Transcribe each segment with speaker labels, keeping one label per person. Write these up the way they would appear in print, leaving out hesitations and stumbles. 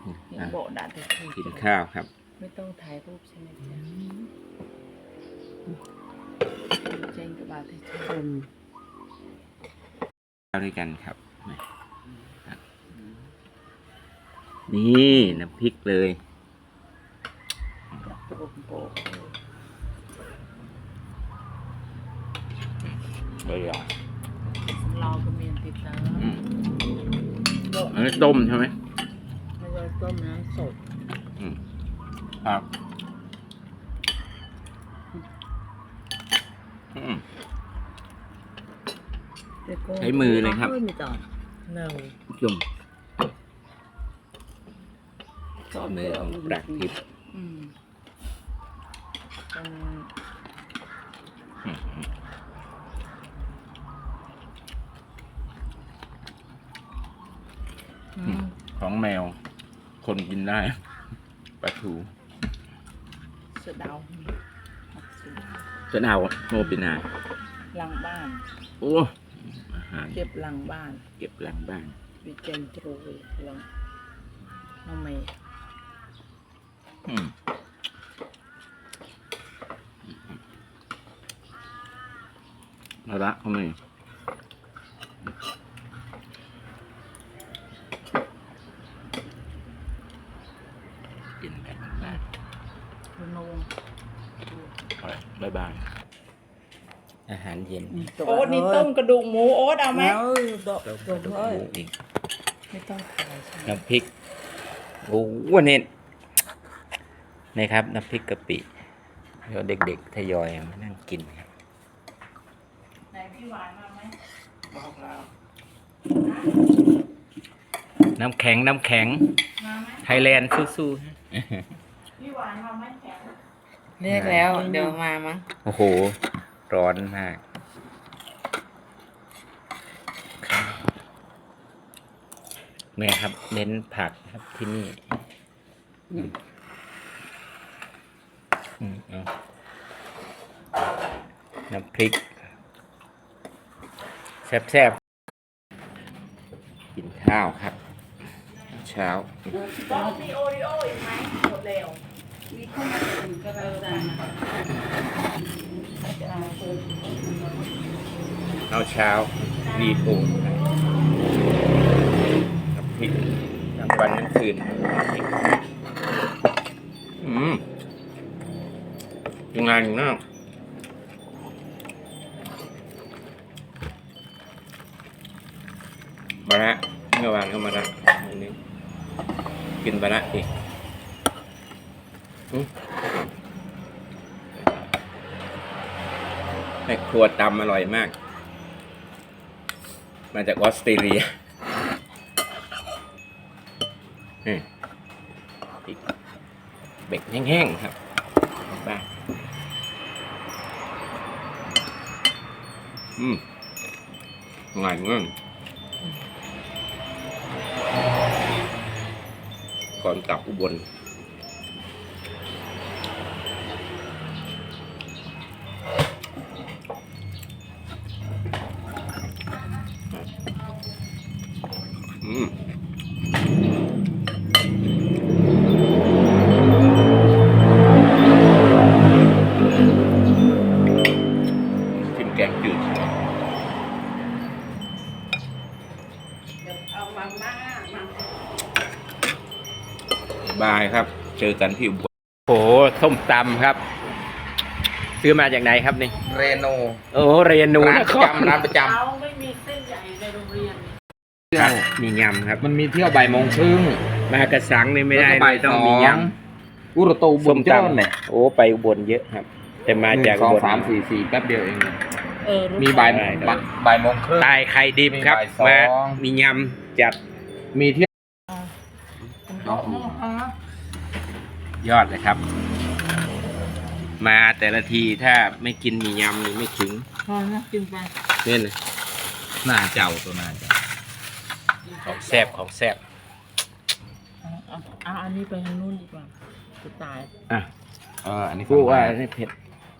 Speaker 1: โบด่าแต่
Speaker 2: กินข้าวครับ
Speaker 1: ไม่ต้องถ่ายรูปใช่ไหมจ๊ะเจงกับบาทที่ชม
Speaker 2: ข้าวด้วยกันครับนี่น้ำพริกเลยเบอร์
Speaker 1: เราก็มีติดตาม
Speaker 2: อันนี้ต้มใช่ไหม
Speaker 1: ไม่ใช่ต้มน้ำสด
Speaker 2: ครับใช้มือเลยครับจุ่มมือของปรักทิพย์ของแมวคนกินได้ปลาทู
Speaker 1: เสือดาว
Speaker 2: เสือดาวโมปินา
Speaker 1: หลังบ้าน
Speaker 2: โอ้อาหาร
Speaker 1: เก็บหลังบ้าน
Speaker 2: เก็บหลังบ้าน
Speaker 1: วิเจนตรูหลังน้องเมย์
Speaker 2: มาละเขาไม่กินแบบนั้นบ๊ายบายอาหารเย็น
Speaker 1: โอ๊ตนี่ต้มกระดูกหมูโอ๊ตเอาไหม
Speaker 2: ต้มกระดูกหมูอีก
Speaker 1: ไม่ต้องขาย
Speaker 2: น้ำพริกโอ้วันนี้นะครับน้ำพริกกะปิเดี๋ยวเด็กๆทยอยมานั่งกินครับ
Speaker 1: ไหนพี่หวานมาไหมบอกเรา
Speaker 2: น้ำแข็งไทยแลนด์สู้
Speaker 1: ๆพี่หวานมาไหมแข็งเรียกแล้วเดี๋ยวมามั้ง
Speaker 2: โอ้โหร้อนมากเนี่ยครับเน้นผักครับที่นี่น้ำพริกแซ่บๆกินข้าวครับเช้า
Speaker 1: ต้องมีโอริโออีกไหมหมดแล้วมีข้าวเหนียวก็ได้
Speaker 2: เอาเช้ารีโอน้ำพริกทั้งวันทั้งคืนยังไงอยู่นะบาระเมื่อวานก็มาละวันนี้กินบาระอีกแม่ครัวตำอร่อยมากมาจากออสเตรเลียอีกเบกแห้งๆครับบ้างง่ายมากก่อนกลับอุบลชิมแกงจืดบายครับเจอกันที่อุบลโอ้ส้มตำครับซื้อมาจากไหนครับนี่
Speaker 3: เรโน
Speaker 2: โอ้เรนูนะครับ
Speaker 3: ร้านประจำ
Speaker 1: เราไม่มีเส้นใหญ่ในโรงเรียน
Speaker 2: มียำครับ
Speaker 3: มันมีเที่ยวบ่ายโมงครึ่ง
Speaker 2: มากระสังนี่ไม่ได้ต้องมียำ
Speaker 3: อุรตูบุญเจ้าเนี่ย
Speaker 2: โอ้ไปอุบลเยอะครับแต่มาจาก
Speaker 3: 2 3 4 4แป๊บเดียวเองมีบ่ายโมงครึ่ง
Speaker 2: ตายไข่ดิบครับมามียำจัด
Speaker 3: มีเที่ย
Speaker 2: ยอดเลยครับ มาแต่ละทีถ้าไม่กินมียำนี่ไม่ถึง
Speaker 1: กินไป
Speaker 2: เนี่ยนะ
Speaker 3: หน้าเจ้าตัวหน้าเจ้า
Speaker 2: ของแซ่บ
Speaker 1: อันนี้ไปทางนู้นดีกว่าจะตาย
Speaker 3: อันนี้
Speaker 2: กูว่านี่เผ็ด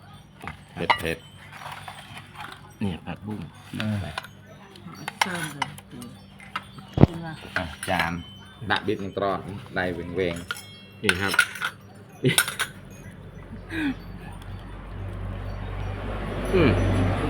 Speaker 2: เนี่ยผักบุ้ง
Speaker 1: เติมเลยกินมา
Speaker 3: จานดักบิดมันตรอดได้เวง
Speaker 2: นี่ครับนี่อืม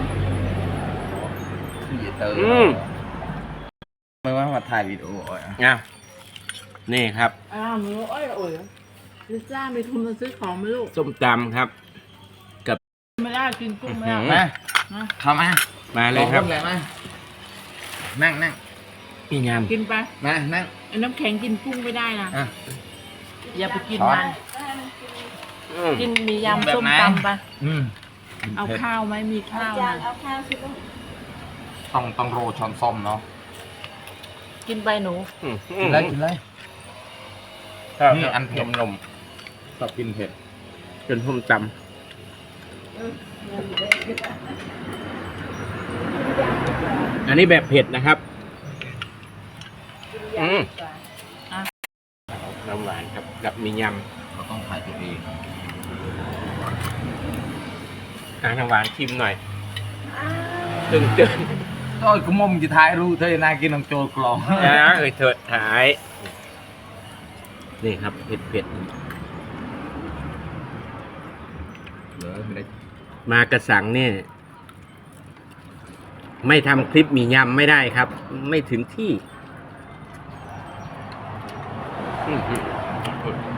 Speaker 3: เตอร์ ไม่ว่ามาถ่ายวิดีโออ่ะ
Speaker 2: อ่ะนี่ครับ
Speaker 1: อ้าวมึงเอ้ยโอ้ยลิซ่ามีทุนมาซื้อของไหมลูก
Speaker 2: ส้มตำครับ
Speaker 1: ไม่ได้กินกุ้งไม่ได้
Speaker 2: อื้อหือ
Speaker 3: มา
Speaker 1: นะ
Speaker 3: เข้ามา
Speaker 2: มาเลยครับ
Speaker 3: เลยมานั่ง
Speaker 2: พี่ย
Speaker 1: กินไป
Speaker 3: มานั่ง
Speaker 1: ไอ้น้ำแข็งกินกุ้งไม่ได้นะ
Speaker 3: อ่ะ
Speaker 1: อย่าไปกิน
Speaker 3: ช้อน
Speaker 1: มัน
Speaker 2: ำ
Speaker 1: กินมี
Speaker 3: แบบ
Speaker 1: ยำส้ม
Speaker 3: ไหน
Speaker 1: ตำไป
Speaker 3: อืม
Speaker 1: เอาข้าวไหมมีข้าวนะ
Speaker 3: ต้องโรยช้อนส้มเนาะ
Speaker 1: กินไปหนู
Speaker 3: กินเลยกินเลย
Speaker 2: ครับ
Speaker 3: นี่อันเผ็ด
Speaker 2: นม
Speaker 3: ชอบกินเผ็ด
Speaker 2: ๆเป็นส้มตำอันนี้แบบเผ็ดนะครับน้ำหวานครับกับมีย
Speaker 3: เราต้องถ่ายตัวเอง
Speaker 2: ำน้ำหวานชิมหน่อยตึง
Speaker 3: โอ้ยกูมอมจะถ่ายรู้เธอน่ากินน้องโจกลอง
Speaker 2: ๆนะเถิดถ่าย นี่ครับเผ็ด
Speaker 3: เหลือไม่ได้
Speaker 2: ๆมากระสังเนี่ยไม่ทำคลิปมียำไม่ได้ครับ ไม่ถึงที่